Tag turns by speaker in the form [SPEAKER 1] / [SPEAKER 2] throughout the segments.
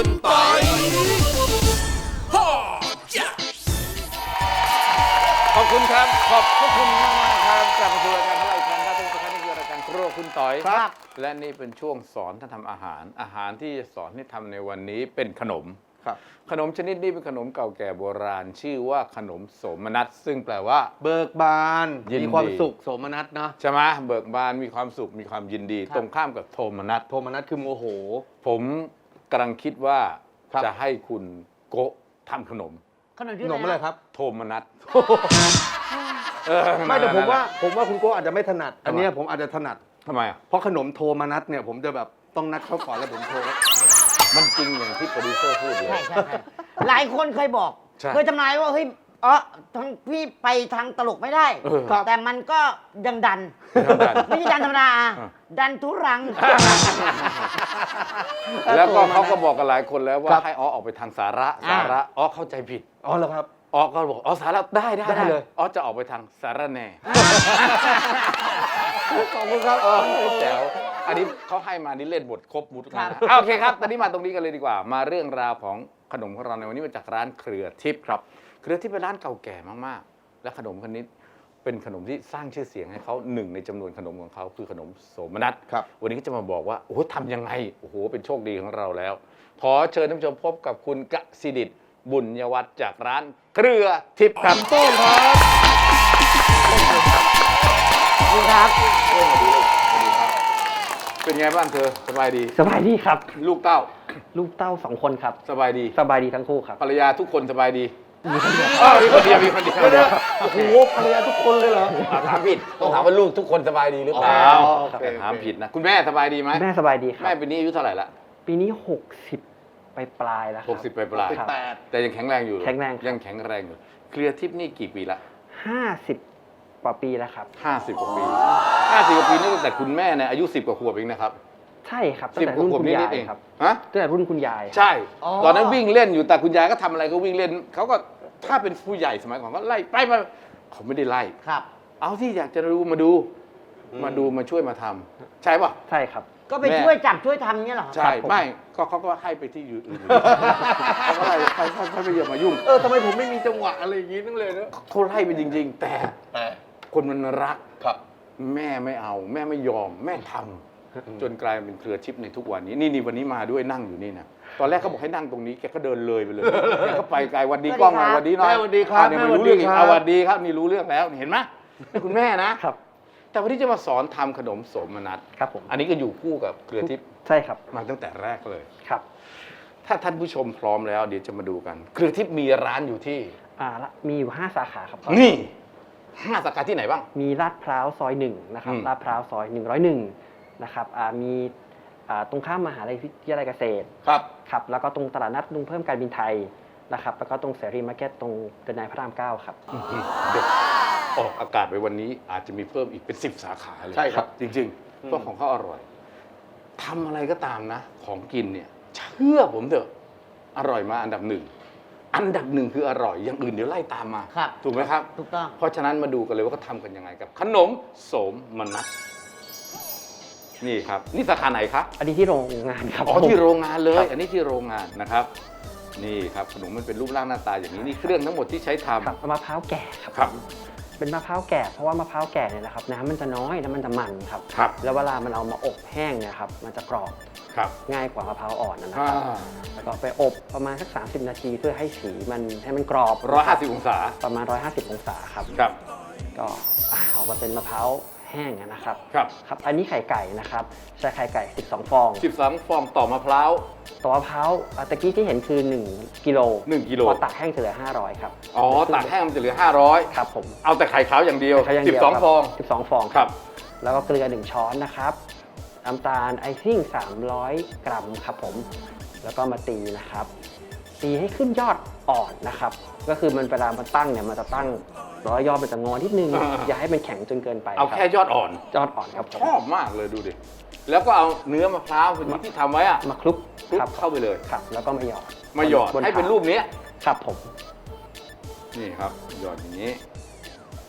[SPEAKER 1] คุณปอยขอบคุณครับขอบคุณมากๆครับกลับมาสู่รายการของเราอีกครั้งครับทุกท่านนี่คือรายการครัวคุณต่อยครับและนี่เป็นช่วงสอนท่านทำอาหารที่จะสอนให้ทำในวันนี้เป็นขนม
[SPEAKER 2] ครับ
[SPEAKER 1] ขนมชนิดนี้เป็นขนมเก่าแก่โบราณชื่อว่าขนมโสมนัสซึ่งแปลว่า
[SPEAKER 2] เบิกบานมีความสุขโสมนัสเนาะ
[SPEAKER 1] ใช่ไหมเบิกบานมีความสุขมีความยินดีตรงข้ามกับโทมนัส
[SPEAKER 2] โทมนัสคือโมโห
[SPEAKER 1] ผมกำลังคิดว่าจะให้คุณโกะทำขนม
[SPEAKER 2] ขนมอะไรครับ
[SPEAKER 1] โทมนัส
[SPEAKER 2] ไม่แต่ผมว่าคุณโก้อาจจะไม่ถนัดอันนี้ผมอาจจะถนัด
[SPEAKER 1] ทำไมอ่ะ
[SPEAKER 2] เพราะขนมโทมนัสเนี่ยผมจะแบบต้องนัดเขาก่อนแล้วผมโทร
[SPEAKER 1] มันจริงอย่างที่โปรดิวเซอร์พูดเลย
[SPEAKER 3] ใช่หลายคนเคยบอกเคยทำนายว่าเฮ้ยทางพี่ไปทางตลกไม่ได้แต่มันก็ยังดันไม่ใช่ดันธรรมดาดันทุรัง
[SPEAKER 1] แล้วก็เขาก็บอกกับหลายคนแล้วว่าให้ออกไปทางสาระเข้าใจผิด
[SPEAKER 2] เหรอครับ
[SPEAKER 1] ก็บอกสาระได้เลยจะออกไปทางสาระแน่
[SPEAKER 2] ขอบคุณครับ
[SPEAKER 1] แจ๋วอันนี้เขาให้มานี่เล่นบทครบมุดนะโอเคครับตอนนี้มาตรงนี้กันเลยดีกว่ามาเรื่องราวของขนมของเราในวันนี้มาจากร้านเครือทิพย์ครับเครือทิพย์เป็นร้านเก่าแก่มากๆและขนมคนนี้เป็นขนมที่สร้างชื่อเสียงให้เขาหนึ่งในจำนวนขนมของเขาคือขนมโสมนัส
[SPEAKER 2] ครับ
[SPEAKER 1] วันนี้ก็จะมาบอกว่าโอ้โหทำยังไงโอ้โหเป็นโชคดีของเราแล้วขอเชิญท่านผู้ชมพบกับคุณกสิดิษฐ์บุญยวัฒน์จากร้านเครือทิพย์ครับ
[SPEAKER 2] ต้นครับ
[SPEAKER 3] คุณครับ
[SPEAKER 1] เป็นไงบ้างเธอสบายดี
[SPEAKER 4] สบายดีครับ
[SPEAKER 1] ลูกเต้า
[SPEAKER 4] 2 คนครับ
[SPEAKER 1] สบายดี
[SPEAKER 4] ทั้งคู่ครับ
[SPEAKER 1] ภรรยาทุกคนสบายดี
[SPEAKER 4] มีคนเดียว
[SPEAKER 1] มีคนเดียว
[SPEAKER 2] โอ้โหภรรยาทุกคนเลยเหรอ
[SPEAKER 1] ถามผิดต้องถามว่าลูกทุกคนสบายดีหรือเปล่าถามผิดนะคุณแม่สบายดีไหม
[SPEAKER 4] แม่สบายดีครับ
[SPEAKER 1] แม่ปีนี้อายุเท่าไหร่ละ
[SPEAKER 4] ปีนี้60ปลายแล้วครับ
[SPEAKER 1] 60ปลายแต่ยังแข็งแรงอยู่
[SPEAKER 4] แข็งแรง
[SPEAKER 1] ยังแข็งแรงอยู่เคลียร์ทิพย์นี่กี่ปีละ
[SPEAKER 4] 50 กว่าปีแล้วครับ
[SPEAKER 1] 50 กว่าปี50 กว่าปีนี่ตั้งแต่คุณแม่เนี่ยอายุ10 กว่าขวบเองนะครับ
[SPEAKER 4] ใช่ครับตั้งแต่รุ่นคุณยายครับตั้งแต่รุ่นคุณยาย
[SPEAKER 1] ใช่ตอนนั้นวิ่งเล่นอยู่แต่คุณยายก็ทำอะไรก็วิ่งเล่นเขาก็ถ้าเป็นผู้ใหญ่สมัยก่อนก็ไล่ไปเขาไม่ได้ไล่
[SPEAKER 3] ครับ
[SPEAKER 1] เอาที่อยากจะรู้มาดูมาช่วยมาทำใช่ป่ะ
[SPEAKER 4] ใช่ครับ
[SPEAKER 3] ก็ไปช่วยจับช่วยทำเงี้ยเหรอ
[SPEAKER 1] ใช่ไม่ก็เขาก็ให้ไปที่อื่นเขาก็ไล่ไปเยอะมายุ่ง
[SPEAKER 2] ทำไมผมไม่มีจังหวะอะไรอย่างงี้นั่งเลยนะ
[SPEAKER 1] เขาไล่ไปจริงๆแต่คนมันรัก
[SPEAKER 2] ครับ
[SPEAKER 1] แม่ไม่เอาแม่ไม่ยอมแม่ทำจนกลายเป็นเครือทิพย์ในทุกวันนี้นี่วันนี้มาด้วยนั่งอยู่นี่นะตอนแรกเขาบอกให้นั่งตรงนี้แกก็เดินเลยไปเลยแกก็ไปไกลวันดีกล้องหน่อยวันดีหน่อย
[SPEAKER 2] วันดีครับ
[SPEAKER 1] ไม่รู้เรื่องอีกวันดีครับนี่รู้เรื่องแล้วเห็นไหมคุณแม่นะครับแต่วันนี้จะมาสอนทำขนมโสมนัส
[SPEAKER 4] ครับผม
[SPEAKER 1] อันนี้ก็อยู่คู่กับเครือทิพย์
[SPEAKER 4] ใช่ครับ
[SPEAKER 1] มาตั้งแต่แรกเลย
[SPEAKER 4] ครับ
[SPEAKER 1] ถ้าท่านผู้ชมพร้อมแล้วเดี๋ยวจะมาดูกันเครือทิพย์มีร้านอยู่ที่
[SPEAKER 4] มีอยู่5 สาขาครับ
[SPEAKER 1] นี่5 สาขาที่ไหนบ้าง
[SPEAKER 4] มีลาดพร้าวซอย1นะครับลาดพร้าวซอย101นะครับมีตรงข้ามมหาวิทยาลัยเกษตรครับแล้วก็ตรงตลาดนัดลุงเพิ่มการบินไทยนะครับแล้วก็ตรงเสรีมาร์เก็ตตรงเดินนายพระราม9ครับ
[SPEAKER 1] เด็กออกอากาศไปวันนี้อาจจะมีเพิ่มอีกเป็น10 สาขาเลย
[SPEAKER 2] ใช่ครับ
[SPEAKER 1] จริงๆเพราะของเขาอร่อยทำอะไรก็ตามนะของกินเนี่ยเชื่อผมเถอะอร่อยมาอันดับหนึ่งคืออร่อยอย่างอื่นเดี๋ยวไล่ตามมาถูกไหมครับ
[SPEAKER 3] ถูกต้อง
[SPEAKER 1] เพราะฉะนั้นมาดูกันเลยว่าเขาทำกันยังไงกับขนมโสมนัสนี่ครับนี่สาขาไหนครับ
[SPEAKER 4] อันนี้ที่โรงงานครับ
[SPEAKER 1] ที่โรงงานเลยอันนี้ที่โรงงานนะครับนี่ครับขนมมันเป็นรูปร่างหน้าตาอย่างนี้นี่เครื่องทั้งหมดที่ใช้ทำ
[SPEAKER 4] มะพร้าวแก่ครับเป็นมะพร้าวแก่เพราะว่ามะพร้าวแก่เนี่ยนะครับน้ำมันจะน้อยน้ำมันจะมันครับแล้วเวลามันเอามาอบแห้งเนี่ยครับมันจะกรอบง่ายกว่ามะพร้าวอ่อนนะครับแล้วก็ไปอบประมาณสัก30 นาทีเพื่อให้สีมันให้มันกรอบ
[SPEAKER 1] 150 องศา
[SPEAKER 4] ประมาณ150 องศาครับก็ออกมาเป็นมะพร้าวแห้งนะครับครับอันนี้ไข่ไก่นะครับใช้ไข่ไก่12 ฟอง
[SPEAKER 1] ต่อมะพร้าว
[SPEAKER 4] ตะกี้ที่เห็นคือ1 กิโลพอตักแห้งจะเหลือ500ครับ
[SPEAKER 1] ตักแห้งมันจะเหลือ500
[SPEAKER 4] ครับผม
[SPEAKER 1] เอาแต่ไข่ขาวอย่างเดียว12 ฟอง
[SPEAKER 4] ครับแล้วก็เกลือ1 ช้อนนะครับน้ำตาลไอซิ่ง300 กรัมครับผมแล้วก็มาตีนะครับตีให้ขึ้นยอดอ่อนนะครับก็คือมันเวลามันตั้งเนี่ยมันจะตั้งยอดมันจะงอนิดนึงอย่าให้มันแข็งจนเกินไป
[SPEAKER 1] เอาแค่ยอดอ่อน
[SPEAKER 4] ครับ
[SPEAKER 1] ชอบมากเลยดูดิแล้วก็เอาเนื้อมะพร้าวที่ทำไว้
[SPEAKER 4] มาคลุก
[SPEAKER 1] เข้าไปเลย
[SPEAKER 4] ครับแล้วก็มาหยอด
[SPEAKER 1] ให้เป็นรูปนี้
[SPEAKER 4] ครับผม
[SPEAKER 1] นี่ครับหยอดอย่างนี้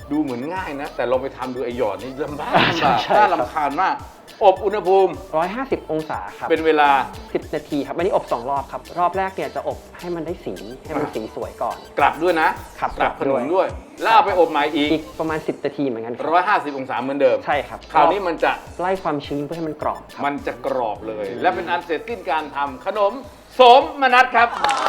[SPEAKER 1] ดูเหมือนง่ายนะ แต่ลองไปทำดูไอหยอดนี่ลำบาก
[SPEAKER 4] ใช่ใช่
[SPEAKER 1] น่า
[SPEAKER 4] ครับ
[SPEAKER 1] รำคาญมาก อบอุณหภูมิ
[SPEAKER 4] 150 องศาครับ
[SPEAKER 1] เป็นเวลา
[SPEAKER 4] 10 นาทีครับอันนี้อบ 2 รอบครับ รอบแรกเนี่ยจะอบให้มันได้สีให้มันสีสวยก่อน
[SPEAKER 1] กลับด้วยนะครับ กลับ
[SPEAKER 4] ก
[SPEAKER 1] ข
[SPEAKER 4] ลับ
[SPEAKER 1] น
[SPEAKER 4] ด้วย
[SPEAKER 1] มด้วย แล้วเอาไปอบใหม่อีก
[SPEAKER 4] อีกประมาณ 10 นาทีเหมือนกันครับ
[SPEAKER 1] 150 องศาเหมือนเดิม
[SPEAKER 4] ใช่ครับ
[SPEAKER 1] คราวนี้มันจะ
[SPEAKER 4] ไล่ความชื้นเพื่อให้มันกรอบครับ
[SPEAKER 1] มันจะกรอบเลย และเป็นอันเสร็จสิ้นการทำขนมโสมนัสครับ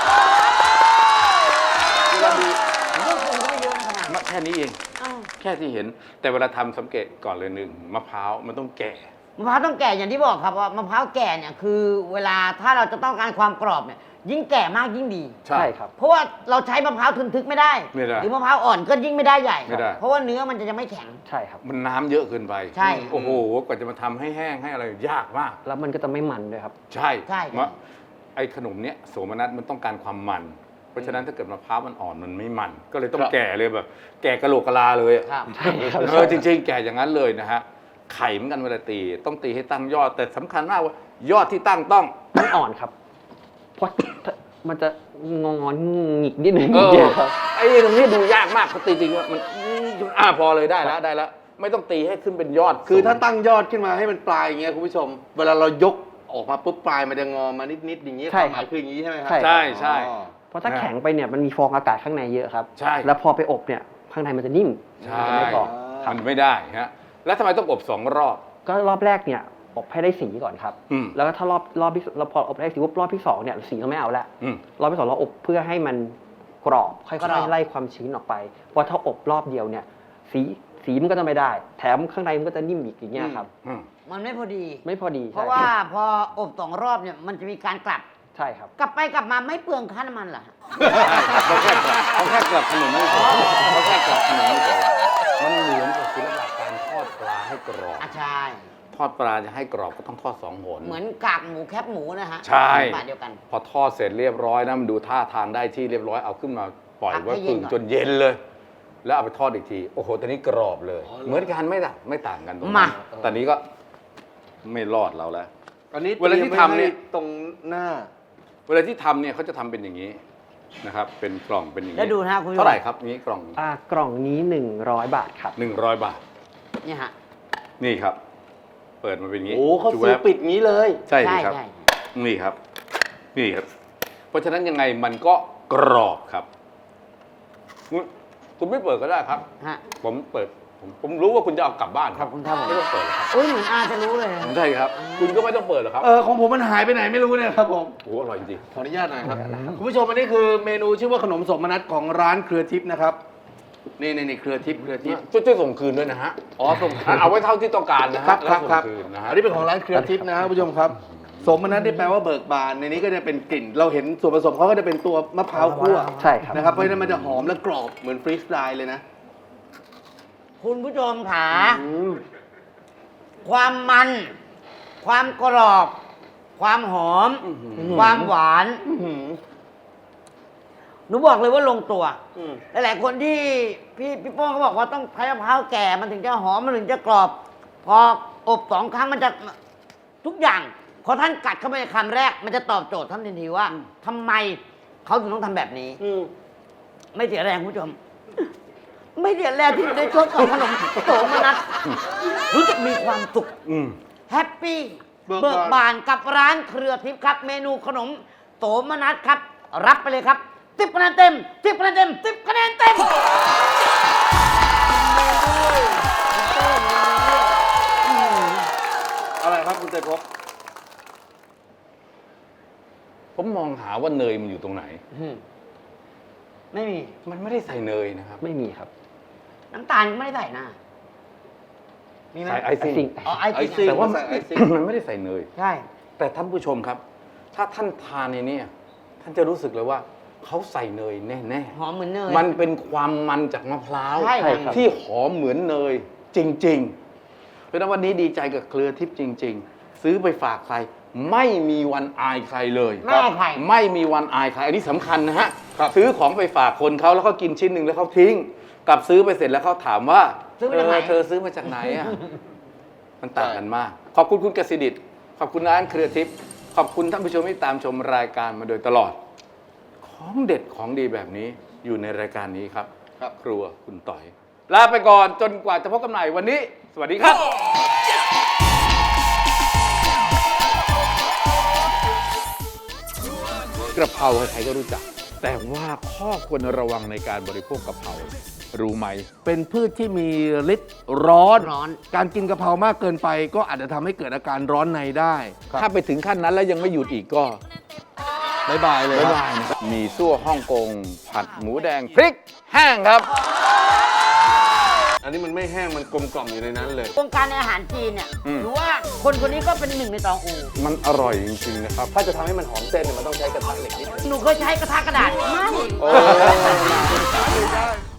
[SPEAKER 1] เวลาดู
[SPEAKER 3] ก็คงไม่เยอะนะขนาดนั้น
[SPEAKER 1] แค่นี้เอง
[SPEAKER 3] อ้าว
[SPEAKER 1] แค่ที่เห็น แต่เวลาทำสังเกตก่อนเลยหนึ่งมะพร้าวมันต้องแก่
[SPEAKER 3] มะพร้าวต้องแก่อย่างที่บอกครับว่ามะพร้าวแก่เนี่ยคือเวลาถ้าเราจะต้องการความกรอบเนี่ยยิ่งแก่มากยิ่งดี
[SPEAKER 4] ใช่ครับ
[SPEAKER 3] เพราะว่าเราใช้มะพร้าวทึนทึกไม่ได้
[SPEAKER 1] ไม่ได้
[SPEAKER 3] หรือมะพร้าวอ่อนก็ยิ่งไม่ได้ใหญ่
[SPEAKER 1] ไม่ได้
[SPEAKER 3] เพราะว่าเนื้อมันจะยังไม่แข็ง
[SPEAKER 4] ใช่ครับ
[SPEAKER 1] มันน้ำเยอะเกินไป
[SPEAKER 3] ใช่
[SPEAKER 1] โอ้โห กว่าจะมาทำให้แห้งให้อะไรยากมาก
[SPEAKER 4] แล้วมันก็จะไม่มันด้วยครับ
[SPEAKER 1] ใช่
[SPEAKER 3] ใช่
[SPEAKER 1] มะไอ้ขนมเนี้ยโสมนัสมันต้องการความมัน เพราะฉะนั้นถ้าเกิดมะพร้าวมันอ่อนมันไม่มัน ก็เลยต้องแก่เลยแบบ แก่กะโหลกกะลาเลยอะ
[SPEAKER 3] ครับ
[SPEAKER 4] ใช่ครับ
[SPEAKER 1] จริงๆ แก่อย่างนั้นเลยนะฮะ ไข่เหมือนกันเวลาตี ต้องตีให้ตั้งยอด แต่สำคัญมากว่ายอดที่ตั้งต้อง
[SPEAKER 4] ต้องอ่อนครับ เพราะมันจะงอนหงิกนิดนึง
[SPEAKER 1] เออ
[SPEAKER 4] เดียวครับ
[SPEAKER 1] ไอ้ตรงนี้ดูยากมากเขาตีจริงๆว่ามันพอเลยได้แล้วได้แล้ว ไม่ต้องตีให้ขึ้นเป็นยอด
[SPEAKER 2] คือถ้าตั้งยอดขึ้นมาให้มันปลายอย่างเงี้ยคุณผู้ชม เวลาเรายกออกมาปุ๊บปลายมันจะงอมานิดๆอย่างงี้
[SPEAKER 4] ใช่
[SPEAKER 2] ความห
[SPEAKER 4] ครั
[SPEAKER 2] มาย
[SPEAKER 4] บ
[SPEAKER 2] คืออย่างงี้ใช่ไหมครั
[SPEAKER 4] ใช่
[SPEAKER 1] ใช่ใช่
[SPEAKER 2] อ๋อ
[SPEAKER 4] เพราะถ้าแข็งไปเนี่ยมันมีฟองอากาศข้างในเยอะครับ
[SPEAKER 1] ใช่
[SPEAKER 4] แล้วพอไปอบเนี่ยข้างในมันจะนิ่ม
[SPEAKER 1] ใช่
[SPEAKER 4] มันจะไม่กรอบ
[SPEAKER 1] มันไม่ได้ฮะ แล้วทำไมต้องอบ2 รอบ
[SPEAKER 4] ก็รอบแรกเนี่ยอบให้ได้สีก่อนครับ
[SPEAKER 1] อืม
[SPEAKER 4] แล้วก็ถ้ารอบที่เราพออบได้สีปุ๊บรอบที่สองเนี่ยสีเราไม่เอาละ
[SPEAKER 1] อืม
[SPEAKER 4] รอบที่สองเราอบเพื่อให้มันกรอบค่
[SPEAKER 3] กรอ
[SPEAKER 4] อบ ยๆไล่ความชื้นออกไป เพราะถ้าอบรอบเดียวเนี่ยสีมันก็จะไม่ได้ แถมข้างในมันก็จะนิ่มอีกอย่างเงี้ยครับ
[SPEAKER 1] อืม
[SPEAKER 3] มันไม่พอดี
[SPEAKER 4] ไม่พอดี
[SPEAKER 3] เพราะ
[SPEAKER 4] ใช่
[SPEAKER 3] ว่าพออบ2 รอบเนี่ยมันจะมีการกลับ
[SPEAKER 4] ใช่ครับ
[SPEAKER 3] กลับไปกลับมาไม่เปลืองค่าน้ำมันเหรอฮะ
[SPEAKER 1] เขาแค่กลับขนมไม่พอเขาแค่กลับขนมไม่พอมันเหมือนกับศิลปะการทอดปลาให้กรอบ
[SPEAKER 3] อ่ะใช่
[SPEAKER 1] ทอดปลาจะให้กรอบก็ต้องทอด2 หน
[SPEAKER 3] เหมือนกากหมูแคบหมูนะฮะ
[SPEAKER 1] ใช่
[SPEAKER 3] บาทเดียวกัน
[SPEAKER 1] พอทอดเสร็จเรียบร้อยนะมันดูท่าทางได้ที่เรียบร้อยเอาขึ้นมาปล่อย
[SPEAKER 3] พักให้
[SPEAKER 1] ไว้
[SPEAKER 3] เย็
[SPEAKER 1] ผึ่
[SPEAKER 3] น
[SPEAKER 1] ง
[SPEAKER 3] ก่อน
[SPEAKER 1] จนเย็นเลย แล้วเอาไปทอดอีกที โอ้โหตอนนี้กรอบเลย เหมือนกันไม่ต่างกันตรงนั้นตอนนี้ก็ไม่รอดเราแล้ว
[SPEAKER 2] อันนี้
[SPEAKER 1] เวลาที่ทำเนี่ย
[SPEAKER 2] ตรีมไว้ให้ตรงหน้า
[SPEAKER 1] เวลาที่ทำเนี่ยเขาจะทำเป็นอย่างนี้นะครับ เป็นกล่องเป็นอย่างนี้
[SPEAKER 3] แล้วดูนะคุณผู้ชม
[SPEAKER 1] เท่าไหร่ครับนี้กล่อง
[SPEAKER 4] กล่องนี้100 บาทครับ
[SPEAKER 1] 100 บาท
[SPEAKER 3] เนี่ยฮะ
[SPEAKER 1] นี่ครับ เปิดมาเป็นอย่างนี้
[SPEAKER 2] โอ้เขา
[SPEAKER 1] จุ๊
[SPEAKER 2] ซื้อ
[SPEAKER 1] แวบ
[SPEAKER 2] ปิดงี้เลย
[SPEAKER 1] ใช่สิครับ
[SPEAKER 3] ใช่
[SPEAKER 1] นี่ครับ นี่ครับ เพราะฉะนั้นยังไงมันก็กรอบครับคุณไม่เปิดก็ได้ครับ
[SPEAKER 3] ฮะ
[SPEAKER 1] ผมเปิดผมรู้ว่าคุณจะเอากลับบ้าน
[SPEAKER 3] ขอบคุณครับผม
[SPEAKER 1] ไม่ต้องเปิดหรอกครับ
[SPEAKER 3] อุ้ยเหมือนอาจะรู้เลยนะ
[SPEAKER 1] ใช่ครับ คุณก็ไม่ต้องเปิดหรอกครับ
[SPEAKER 2] ของผมมันหายไปไหนไม่รู้เนี่ยครับผม
[SPEAKER 1] โอ้โหอร่อยจริง
[SPEAKER 2] ขออนุญาตหน่อยครับ คุณผู้ชมอันนี้คือเมนูชื่อว่าขนมสมนัตของร้านเครือทิพย์นะครับ นี่เครือทิพย์เครือทิพย์
[SPEAKER 1] ช่วยส่งคืนด้วยนะฮะ
[SPEAKER 2] อ๋อส่ง
[SPEAKER 1] เอาไว้เท่าที่ต้องการนะฮะ
[SPEAKER 2] ครับ
[SPEAKER 1] แล้ว
[SPEAKER 2] ครับ
[SPEAKER 1] ส่งคืนนะฮะ
[SPEAKER 2] อันนี้เป็นของร้านเครือทิพย์นะครับคุณผู้ชมครับ สมนัตที่แปลว่าเบิกบาน ในนี้ก็จะเป็นกลิ่น เราเห็นส่วนผสมเขาก็จะเป็นตัวมะพร้าวคั่ว
[SPEAKER 4] ใช่ครับ
[SPEAKER 2] นะครับ เพราะฉะนั้นมันจะหอมและกรอบเหมือนฟรีสไตล์เลยนะ
[SPEAKER 3] คุณผู้ชมขาความมัน ความกรอบ ความหอม ความหวาน หนูบอกเลยว่าลงตัว หลายๆคนที่พี่โป้งเขาบอกว่าต้องใช้มะพร้าวแก่มันถึงจะหอมมันถึงจะกรอบ พออบ2 ครั้งมันจะทุกอย่างพอท่านกัดเข้าไปในคำแรก มันจะตอบโจทย์ท่านทันทีว่าทำไมเขาถึงต้องทำแบบนี้ไม่เสียแรงคุณผู้ชม ไม่เสียแรงที่อยู่ในช่วงของขนมโสมนัสรู้สึกมีความสุข
[SPEAKER 1] อืม
[SPEAKER 3] แฮปปี้
[SPEAKER 2] เบิ
[SPEAKER 3] เบิ
[SPEAKER 2] ก
[SPEAKER 3] ก
[SPEAKER 2] บาน
[SPEAKER 3] บานกับร้านเครือทิพย์ครับ เมนูขนมโสมนัสครับ รับไปเลยครับ10 คะแนนเต็ม10 คะแนนเต็ม10 คะแนนเต็ม
[SPEAKER 2] อะไรครับคุณเตยภพ
[SPEAKER 1] ผมมองหาว่าเนยมันอยู่ตรงไหน
[SPEAKER 3] ไม่มี
[SPEAKER 1] มันไม่ได้ใส่เนยนะครับ
[SPEAKER 4] ไม่มีครับ
[SPEAKER 3] น้ำตาลก็ไม่ได้ใส่นะมีไหม
[SPEAKER 1] ใส่ไอซิ่ง
[SPEAKER 4] ซิ่ง
[SPEAKER 3] อ๋อไอ
[SPEAKER 2] ไอ
[SPEAKER 3] ซิ่
[SPEAKER 2] ซิ่
[SPEAKER 3] ง
[SPEAKER 1] แต่ว่า
[SPEAKER 2] ใส่ไอซิ่ง
[SPEAKER 1] มันไม่ได้ใส่เนย
[SPEAKER 3] ใช่
[SPEAKER 1] แต่ท่านผู้ชมครับ ถ้าท่านทานในนี้ท่านจะรู้สึกเลยว่าเขาใส่เนยแน่
[SPEAKER 3] หอมเหมือนเนย
[SPEAKER 1] ๆมันเป็นความมันจากมะพร้าว
[SPEAKER 3] ใช่ครับ
[SPEAKER 1] ที่หอมเหมือนเนยจริงๆ เพราะฉะนั้นวันนี้ดีใจกับเครือทิพย์จริง ๆ ซื้อไปฝากใคร ไม่มีวันอายใครเลย
[SPEAKER 3] ไม่อายใคร
[SPEAKER 1] ไม่มีวันอายใคร อันนี้สำคัญนะฮะ ซื้อของไปฝากคนเขาแล้วเขากินชิ้นหนึ่งแล้วเขาทิ้ง กลับซื้อไปเสร็จแล้วเขาถามว่า
[SPEAKER 3] ซื้อมาจากไหน
[SPEAKER 1] เธอซื้อมาจากไหนอ่ะ มันต่างกันมาก ขอบคุณคุณกสิดิษฐ์ขอบคุณร้านเครือทิพย์ขอบคุณท่านผู้ชมที่ตามชมรายการมาโดยตลอด ของเด็ดของดีแบบนี้อยู่ในรายการนี้ครับ
[SPEAKER 2] ครับ
[SPEAKER 1] ครัวคุณต่อยลาไปก่อนจนกว่าจะพบกันใหม่วันนี้ สวัสดีครับกระเพราใครๆก็รู้จัก แต่ว่าข้อควรระวังในการบริโภคกะเพรารู้ไหม
[SPEAKER 2] เป็นพืชที่มีฤทธิ์ร้อน
[SPEAKER 3] ร้อน
[SPEAKER 2] การกินกะเพรามากเกินไปก็อาจจะทำให้เกิดอาการร้อนในได้
[SPEAKER 1] ถ้าไปถึงขั้นนั้นแล้วยังไม่หยุดอีกก็
[SPEAKER 2] บ๊ายบายเลย
[SPEAKER 1] บ๊าย
[SPEAKER 2] ครับ
[SPEAKER 1] บายนะครับมีซั่วฮ่องกง ผัดหมูแดงพริกแห้งครับ
[SPEAKER 2] อันนี้มันไม่แห้งมันกลมกล่อมอยู่ในนั้นเลย
[SPEAKER 3] วงการในอาหารจีนเนี่ย
[SPEAKER 1] อืม
[SPEAKER 3] หรือว่าคนคนนี้ก็เป็นหนึ่งในตองอู
[SPEAKER 1] มันอร่อยจริงๆนะครับ
[SPEAKER 4] ถ้าจะทำให้มันหอมเส้นเนี่ยมันต้องใช้กระทะเหล็กนิดนึง
[SPEAKER 3] หนูเคยใช้กระทะกระดาษไม่
[SPEAKER 1] โอ้